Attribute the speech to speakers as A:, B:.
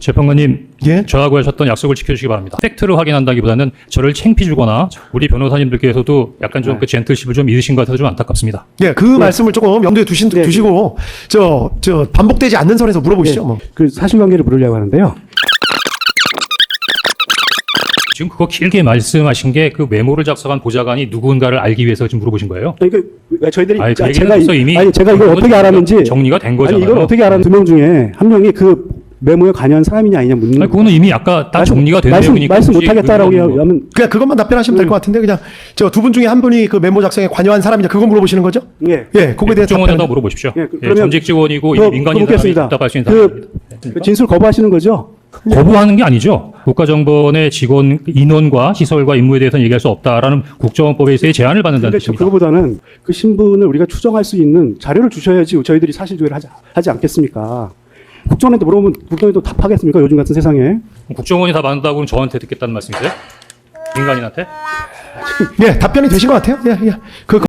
A: 재판관님,
B: 예?
A: 저하고 하셨던 약속을 지켜주시기 바랍니다. 팩트를 확인한다기보다는 저를 창피주거나 우리 변호사님들께서도 약간 좀 그 젠틀십을 좀 잊으신 것 같아서 좀 안타깝습니다.
B: 예, 그 말씀을 조금 염두에 두시고 저 반복되지 않는 선에서 물어보시죠. 뭐.
C: 그 사실관계를 물으려고 하는데요.
A: 지금 그거 길게 말씀하신 게 그 메모를 작성한 보좌관이 누군가를 알기 위해서 지금 물어보신 거예요?
C: 그러니까 저희들이
A: 아니, 그 얘기는
C: 제가
A: 벌써 이미
C: 제가 이걸 어떻게 알았는지
A: 정리가 된 거잖아요.
C: 아니, 이걸 어떻게 알았는지 2명 중에 한 명이 그 메모에 관여한 사람이냐 아니냐 묻는.
A: 아니, 그거는 이미 아까 딱 정리가 된 내용이니까
C: 말씀
A: 굳이
C: 못하겠다라고
A: 그건
C: 하면
B: 그냥 그것만 답변하시면 될 것 같은데 그냥 저 두 분 중에 한 분이 그 메모 작성에 관여한 사람이냐 그거 물어보시는 거죠?
C: 예.
B: 예, 그거에 대해서
A: 국정원에다
B: 답변.
A: 물어보십시오.
C: 예,
A: 예,
C: 그러면
A: 전직 직원이고
C: 그
A: 민간인 사람이
C: 묻겠습니다.
A: 답할 수 있는
C: 그 진술 거부하시는 거죠?
A: 거부하는 게 아니죠. 국가정보원의 직원 인원과 시설과 임무에 대해서는 얘기할 수 없다라는 국정원법에서의 제한을 받는다는
C: 근데
A: 뜻입니다.
C: 그거보다는 그 신분을 우리가 추정할 수 있는 자료를 주셔야지 저희들이 사실조회를 하지 않겠습니까? 국정원한테 물어보면 국정원이 답하겠습니까? 요즘 같은 세상에.
A: 국정원이 다 받는다고는 저한테 듣겠다는 말씀이세요? 민간인한테?
B: 예, 답변이 되신 것 같아요. 예, 예.